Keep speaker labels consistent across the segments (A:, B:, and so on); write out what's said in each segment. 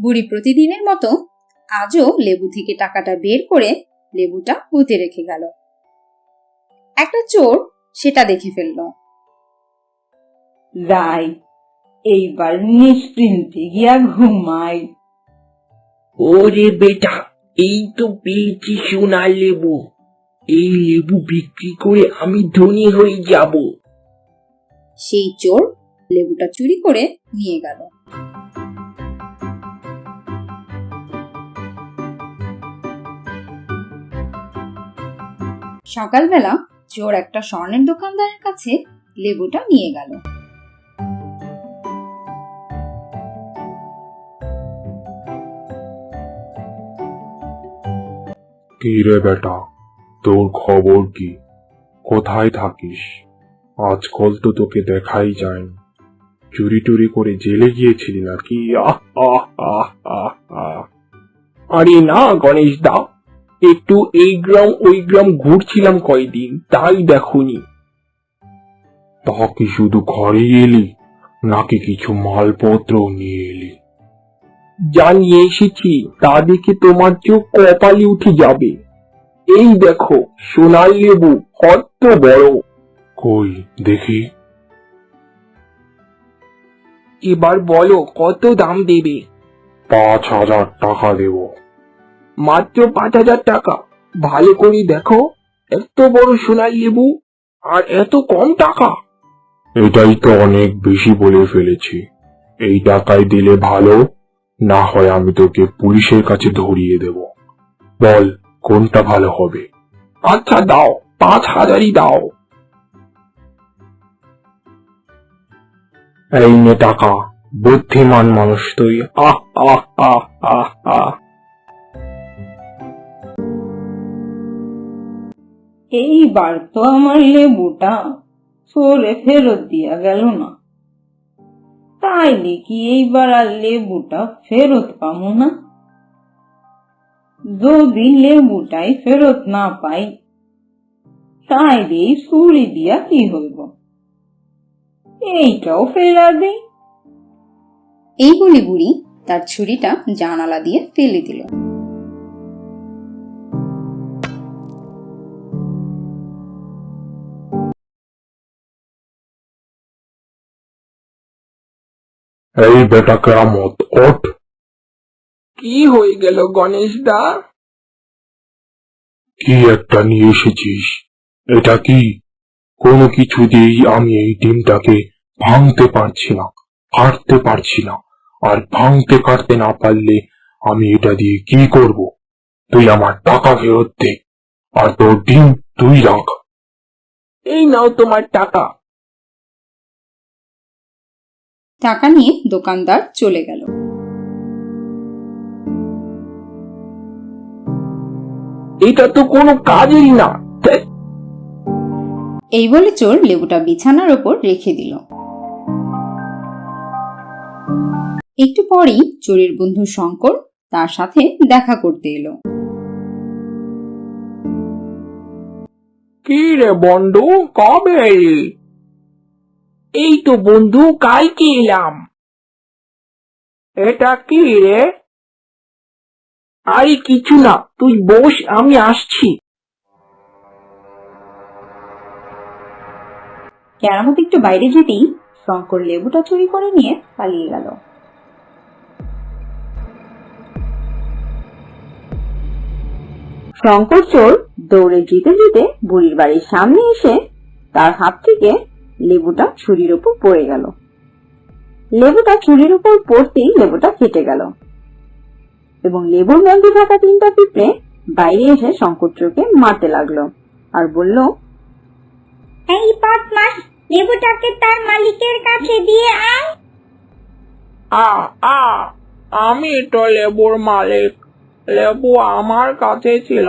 A: বুড়ি প্রতিদিনের মতো আজও লেবু থেকে টাকাটা বের করে লেবুটা পুঁতে রেখে গেল। একটা চোর সেটা দেখে ফেলল।
B: যাই, এইবার নিশ্চিন্তে গিয়া ঘুমাই।
C: ওরে বেটা, এই তো পেয়েছি সোনার লেবু। এই লেবু বিক্রি করে আমি ধনী হয়ে যাব।
A: সেই চোর লেবুটা চুরি করে নিয়ে গেল। সকালবেলা চোর একটা স্বর্ণের দোকানদারের কাছে লেবুটা নিয়ে গেল।
D: কি রে বেটা, তোর খবর কি? কোথায় থাকিস? আজকাল তো তোকে দেখাই যায়। চুরি টুরি করে জেলে গিয়েছিলি নাকি?
C: আরে না গণেশ দা, একটু এই গ্রাম ওই গ্রাম ঘুরছিলাম কয়দিন, তাই দেখুনি।
D: তা কি শুধু ঘরে এলি নাকি কিছু মালপত্র নিয়ে এলি?
C: যা নিয়ে এসেছি তা দেখে তোমার চোখ কপালে উঠে যাবে। এই দেখো সোনার লেবু, কত বড়।
D: কই দেখি।
C: এবার বলো কত দাম দেবে?
D: 5,000 টাকা দেব।
C: মাত্র 5,000 টাকা? ভালো করে দেখো, এত বড় সোনার লেবু আর এত কম টাকা।
D: এটাই তো অনেক বেশি বলে ফেলেছি। এই টাকায় দিলে ভালো, না হয় আমি তোকে পুলিশের কাছে ধরিয়ে দেব। বল কোনটা ভালো হবে?
C: আচ্ছা দাও, 5,000ই দাও।
D: এই নে টাকা, বুদ্ধিমান মানুষ তুই। আহ আহ আহ আহ আহ।
B: এইবার তো আমার লেবুটা চোরে ফেরত দিয়া গেল না, তাই দেখি এইবার আর লেবুটা ফেরত পাবো না। যদি লেবুটাই ফেরত না পাই, তাই দিয়ে চুরি দিয়া কি হইব? এইটাও ফেরা দেই।
A: এই বলে বুড়ি তার ছুরিটা জানালা দিয়ে ফেলে দিল।
D: এই বেটা কেরামত, ওঠ।
C: কি হয়ে গেল গণেশ দা?
D: কি একটা নিয়ে এসেছিস? এটা কি? কোনো কিছুতেই আমি এই ডিমটাকে ভাঙতে পারছি না, কাটতে পারছি না। আর ভাঙতে কাটতে না পারলে আমি এটা দিয়ে কি করব? তুই আমার টাকা ফেরত দে, আর তোর ডিম তুই রাখ।
C: এই নাও তোমার টাকা।
A: টাকা নিয়ে দোকানদার চলে গেল।
C: এটা তো কোনো কাজেরই না।
A: এই বলে চোর লেবুটা বিছানার ওপর রেখে দিল। একটু পরেই চোরের বন্ধু শঙ্কর তার সাথে দেখা করতে এলো।
C: কি রে বন্ধু, কবে এলি? এই তো বন্ধু কালকে এলাম। এটা কি রে? আরে কিছু না, তুই বস, আমি আসছি।
B: কেরামত একটু বাইরে যেতেই শঙ্কর লেবুটা চুরি করে নিয়ে পালিয়ে গেল। শঙ্কর চোর দৌড়ে যেতে যেতে বুড়ির বাড়ির সামনে এসে তার হাত থেকে লেবুটা ছুরির উপর পড়ে গেল। লেবুটা ছুরির উপর পড়তেই লেবুটা কেটে গেল এবং লেবুর মধ্যে থাকা 3টা পিঁপড়ে বাইরে এসে শঙ্কর চোরকে মারতে লাগলো আর বলল,
E: এই বদমাস, লেবুটাকে তার মালিকের কাছে দিয়ে আয়।
C: আমি তো লেবুর মালিক, লেবু আমার কাছে ছিল।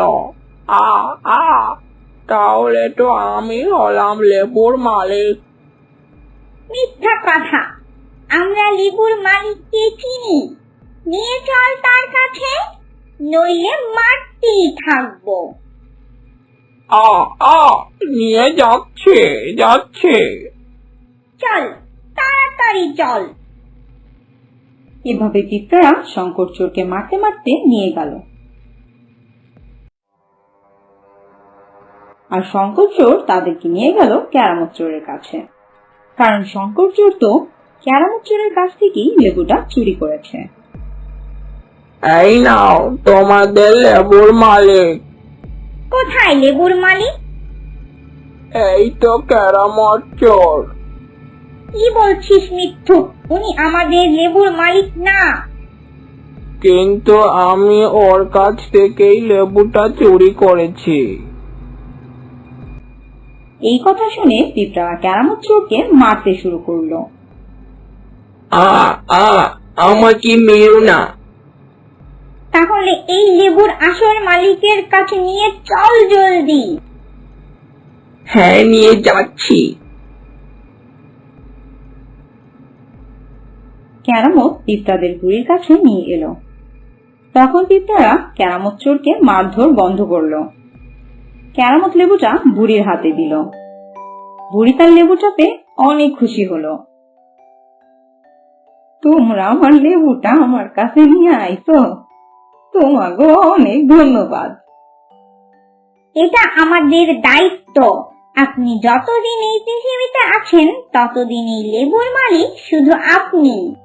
C: তাহলে তো আমি হলাম লেবুর মালিক।
E: মিথ্যা কথা, আমরা লেবুর মালিককে চিনি। নিয়ে চল তার কাছে, নইলে মারতেই থাকবো।
C: নিয়ে যাচ্ছে।
E: চল, তাড়াতাড়ি চল।
B: এভাবে পিঁপড়ারা শঙ্কর চোরকে মারতে মারতে নিয়ে গেল। আর শঙ্কর চোর তাদেরকে নিয়ে গেল কেরামত চোরের কাছে, কারণ শঙ্কর চোর তো কেরামত চোরের কাছ থেকেই লেবুটা চুরি করেছে।
C: এই নাও তোমাদের লেবুর মালিক।
E: কোথায় লেবুর মালিক?
C: এই তো কেরামত চোর।
E: কি বলছিস মিথ্যু? উনি আমাদের লেবুর মালিক না।
C: কিন্তু আমি ওর কাছ থেকেই লেবুটা চুরি করেছি।
B: এই কথা শুনে পিঁপড়ারা কেরামত চোরকে মারতে শুরু করলো।
C: আমাকে মেরো না।
E: তাহলে এই লেবুর আসল মালিকের কাছে নিয়ে চল জলদি।
C: হ্যাঁ, নিয়ে যাচ্ছি।
B: কেরামত পিঁপড়াদের বুড়ির কাছে নিয়ে এলো। তখন পিঁপড়ারা কেরামত চোরকে মারধর বন্ধ করলো। কেরামত লেবুটা বুড়ির হাতে দিল। বুড়ি তার লেবুটা পেয়ে অনেক খুশি হলো। তোমরা আমার লেবুটা আমার কাছে নিয়ে আইছো, তোমাকে অনেক ধন্যবাদ।
E: এটা আমাদের দায়িত্ব। আপনি যতদিন এই পৃথিবীতে আছেন ততদিন এই লেবুর মালিক শুধু আপনি।